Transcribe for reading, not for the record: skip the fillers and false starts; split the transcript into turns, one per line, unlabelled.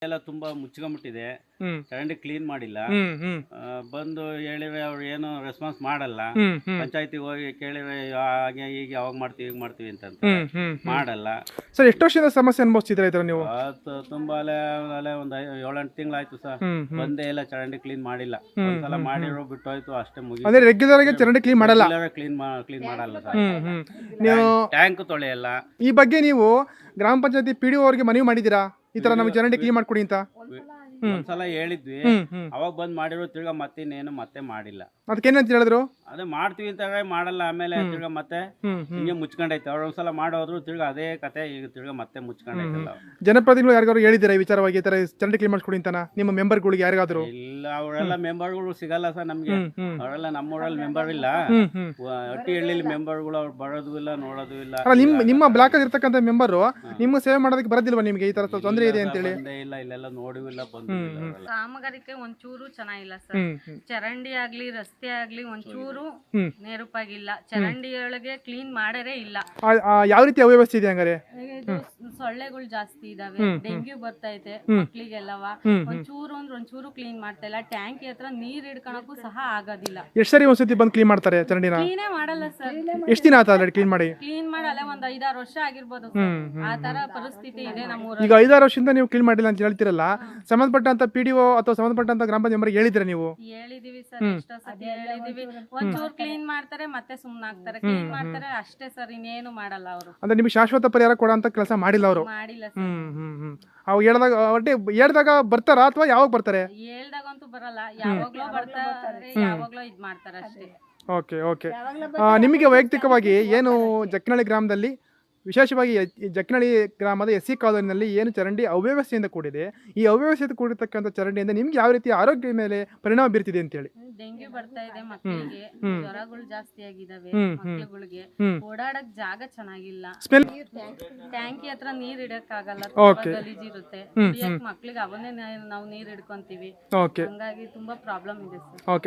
ಎಲ್ಲ ತುಂಬಾ ಮುಚ್ಕೊಂಡ್ಬಿಟ್ಟಿದೆ.
ಹ್ಮ್
ಚರಂಡಿ ಕ್ಲೀನ್ ಮಾಡಿಲ್ಲ.
ಹ್ಮ್ ಹ್ಮ್
ಬಂದು ಹೇಳಿದ್ರೆ ಅವ್ರು ಏನು ರೆಸ್ಪಾನ್ಸ್ ಮಾಡಲ್ಲ.
ಹ್ಮ್ ಹ್ಮ್
ಪಂಚಾಯತಿಗೆ ಹೋಗಿ ಕೇಳಿದ್ರೆ ಹಾಗೆ ಹೀಗೆ ಅವಾಗ ಮಾಡ್ತೀವಿ ಈಗ ಮಾಡ್ತೀವಿ ಅಂತಂತಾರೆ. ಮಾಡಲ್ಲ.
ಸರ್ ಎಷ್ಟು ವರ್ಷದಿಂದ ಸಮಸ್ಯೆ ಅನುಭವಿಸ್ತಿದ್ದೀರಾ ಇದರ ನೀವು?
ತುಂಬಾ ಅಲೆ ಒಂದು 7-8 ತಿಂಗಳಾಯ್ತು ಸರ್. ಬಂದೇ ಇಲ್ಲ, ಚರಂಡಿ ಕ್ಲೀನ್ ಮಾಡಿಲ್ಲ. ಒಂದ್ಸಲ ಮಾಡಿರೋ ಬಿಟ್ಟೋಯ್ತು, ಅಷ್ಟೇ ಮುಗಿ.
ಅಂದ್ರೆ ರೆಗ್ಯುಲರ್ ಆಗಿ ಚರಂಡಿ ಕ್ಲೀನ್ ಮಾಡಲ್ಲ?
ಕ್ಲೀನ್ ಮಾಡಲ್ಲ ಸರ್.
ನೀವು
ಟ್ಯಾಂಕ್ ತೊಳೆಯಲ್ಲ.
ಈ ಬಗ್ಗೆ ನೀವು ಗ್ರಾಮ ಪಂಚಾಯತಿ PDO ಅವರಿಗೆ ಮನವಿ ಮಾಡಿದ್ದೀರಾ ಈ ತರ ನಮಗೆ ಚರಂಡಿ ಕ್ಲೀನ್ ಮಾಡ್ಕೊಡಿ ಅಂತ?
ಒಂದ್ಸಲ ಹೇಳಿದ್ವಿ, ಅವಾಗ ಬಂದ್ ಮಾಡಿರೋ, ತಿರ್ಗಾ ಮತ್ತೆ ಮಾಡಿಲ್ಲ.
ಅದಕ್ಕೆ ಏನಂತ ಹೇಳಿದ್ರು?
ಅದೇ ಮಾಡ್ತೀವಿ ಅಂತ ಮಾಡಲ್ಲ. ಆಮೇಲೆ ತಿರ್ಗಾ ಮತ್ತೆ ಹಿಂಗೆ ಮುಚ್ಕೊಂಡೈತೆ. ಅವ್ರು ಒಂದ್ಸಲ ಮಾಡೋದ್ರು, ತಿರ್ಗಾ ಅದೇ ಕತೆ, ಈಗ ತಿರ್ಗಾ ಮತ್ತೆ ಮುಚ್ಕೊಂಡೈತಲ್ಲ.
ಜನಪ್ರತಿನಿಧಿಗಳು ಯಾರಿಗಾದ್ರು ಹೇಳಿದ್ದೀರಾ ಈ ವಿಚಾರವಾಗಿ ಈ ತರ ಚರಂಡಿ ಕ್ಲೀನ್ ಮಾಡ್ಕೊಡಿ ಅಂತ ನಿಮ್ಮ ಮೆಂಬರ್ಗಳಿಗೆ ಯಾರಿಗಾದ್ರು?
ಇಲ್ಲ, ಅವರೆಲ್ಲ ಮೆಂಬರ್ಗಳು ಸಿಗಲ್ಲ ಸರ್ ನಮ್ಗೆ. ಅವರೆಲ್ಲ ನಮ್ಮೂರಲ್ಲಿ ಮೆಂಬರ್ ಇಲ್ಲ. ಹಟ್ಟಿಹಳ್ಳಿ ಮೆಂಬರ್ಗಳು ಅವ್ರು ಬರೋದು ಇಲ್ಲ, ನೋಡೋದು ಇಲ್ಲ.
ನಿಮ್ಮ ಬ್ಲಾಕ್ ಅಲ್ಲಿ ಇರ್ತಕ್ಕಂಥ ಮೆಂಬರ್ ನಿಮ್ಮ ಸೇವೆ ಮಾಡೋದಕ್ಕೆ ಬರೋದಿಲ್ವಾ ನಿಮ್ಗೆ? ಈ ತರ ತೊಂದರೆ ಇದೆ ಅಂತ ಹೇಳಿ
ಇಲ್ಲ, ಇಲ್ಲೆಲ್ಲ ನೋಡಿಲ್ಲ, ಬಂದು
ಕಾಮಗಾರಿಕೆ ಒಂಚೂರು ಚೆನ್ನಾಗಿಲ್ಲ ಸರ್. ಚರಂಡಿ ಆಗ್ಲಿ ರಸ್ತೆ ಆಗ್ಲಿ ಒಂಚೂರು ನೇರುಪಾಗಿಲ್ಲ. ಚರಂಡಿ ಒಳಗೆ ಕ್ಲೀನ್ ಮಾಡರೇ ಇಲ್ಲ.
ಯಾವ ರೀತಿ ಅವ್ಯವಸ್ಥೆ ಇದೆ ಹಂಗಾರೆ?
ಸೊಳ್ಳೆಗಳು ಜಾಸ್ತಿ ಇದಾವೆ, ಡೆಂಗ್ಯೂ ಬರ್ತೈತೆ ಮಕ್ಳಿಗೆಲ್ಲವ. ಒಂಚೂರು ಕ್ಲೀನ್ ಮಾಡ್ತಾ ಇಲ್ಲ. ಟ್ಯಾಂಕಿ ಹತ್ರ ನೀರ್ ಹಿಡ್ಕೊಳಕ್ಕೂ ಸಹ ಆಗೋದಿಲ್ಲ.
ಎಷ್ಟು ಸರಿ ಒಂದ್ಸತಿ ಬಂದು ಕ್ಲೀನ್ ಮಾಡ್ತಾರೆ ಚರಂಡಿನ?
ಕ್ಲೀನೇ ಮಾಡಲ್ಲ ಸರ್.
ಎಷ್ಟು ದಿನ ಆಯ್ತು ಆಲ್ರೆಡಿ ಕ್ಲೀನ್ ಮಾಡಿ?
ಕ್ಲೀನ್ ಮಾಡಲ್ಲ, ಒಂದ್ 5-6 ವರ್ಷ ಆಗಿರ್ಬೋದು. ಆ ತರ ಪರಿಸ್ಥಿತಿ ಇದೆ ನಮ್ಮೂರಲ್ಲಿ.
ಈಗ 5-6 ವರ್ಷದಿಂದ ನೀವು ಕ್ಲೀನ್ ಮಾಡಿಲ್ಲ ಅಂತ ಹೇಳ್ತಿರಲ್ಲ, ಸಂಬಂಧಪಟ್ಟಂತ PDO ಅಥವಾ ಸಂಬಂಧಪಟ್ಟಂತ ಗ್ರಾಮ ಪಂಚಾಯತ್ ಮೆಂಬರ್ಗೆ ಹೇಳಿದ್ರೆ ನೀವು?
ಹೇಳಿದೀವಿ ಸರ್, ಎಷ್ಟೋ ಸತಿ ಹೇಳಿದೀವಿ. ಒಂಚೂರು ಕ್ಲೀನ್ ಮಾಡ್ತಾರೆ, ಮತ್ತೆ ಸುಮ್ನಾಗ್ತಾರೆ. ಕ್ಲೀನ್ ಮಾಡ್ತಾರೆ ಅಷ್ಟೇ ಸರ್, ಇನ್ನೇನು ಮಾಡಲ್ಲ ಅವರು.
ಅಂದ್ರೆ ನಿಮ್ಗೆ ಶಾಶ್ವತ ಪರಿಹಾರ ಕೊಡೋ ಅಂತ ಕೆಲಸ ಮಾಡಿಲ್ಲ ಅವರು?
ಮಾಡಿಲ್ಲ ಸರ್.
ಅವು ಹೇಳಿದಾಗ ಬರ್ತಾರಾ ಅಥವಾ ಯಾವಾಗ ಬರ್ತಾರೆ?
ಹೇಳ್ದಾಗಂತೂ ಬರಲ್ಲ, ಯಾವಾಗ್ಲೋ ಬರ್ತಾರೆ, ಯಾವಾಗ್ಲೋ ಇದ್ ಮಾಡ್ತಾರೆ ಅಷ್ಟೇ.
Okay okay. ನಿಮಗೆ ವೈಯಕ್ತಿಕವಾಗಿ ಏನು ಜಕ್ಕನಹಳ್ಳಿ ಗ್ರಾಮದಲ್ಲಿ, ವಿಶೇಷವಾಗಿ ಜಕ್ಕನಹಳ್ಳಿ ಗ್ರಾಮದ SC ಕಾಲೋನಿನಲ್ಲಿ ಏನು ಚರಂಡಿ ಅವ್ಯವಸ್ಥೆಯಿಂದ ಕೂಡಿದೆ, ಈ ಅವ್ಯವಸ್ಥೆಯಿಂದ ಕೂಡಿರ್ತಕ್ಕಂಥ ಚರಂಡಿಯಿಂದ ನಿಮ್ಗೆ ಯಾವ ರೀತಿ ಆರೋಗ್ಯದ ಮೇಲೆ ಪರಿಣಾಮ ಬೀರ್ತಿದೆ ಅಂತೇಳಿ?
ಡೆಂಗ್ಯೂ ಬರ್ತಾ ಇದೆ ಮಕ್ಕಳಿಗೆ, ಜ್ವರಗಳು ಜಾಸ್ತಿ ಆಗಿದಾವೆ ಮಕ್ಳುಗಳಿಗೆ. ಓಡಾಡಕ್ ಜಾಗ ಚೆನ್ನಾಗಿಲ್ಲ. ಟ್ಯಾಂಕಿ ಹತ್ರ ನೀರ್ ಇಡಕ್ಕಾಗಲ್ಲ, ಗಲೀಜಿರುತ್ತೆ. ಮಕ್ಳಿಗೆ ಅವನ್ನೇ ನಾವು ನೀರ್ ಹಿಡ್ಕೊಂತೀವಿ. ಹಂಗಾಗಿ ತುಂಬಾ ಪ್ರಾಬ್ಲಮ್ ಇದೆ ಸರ್.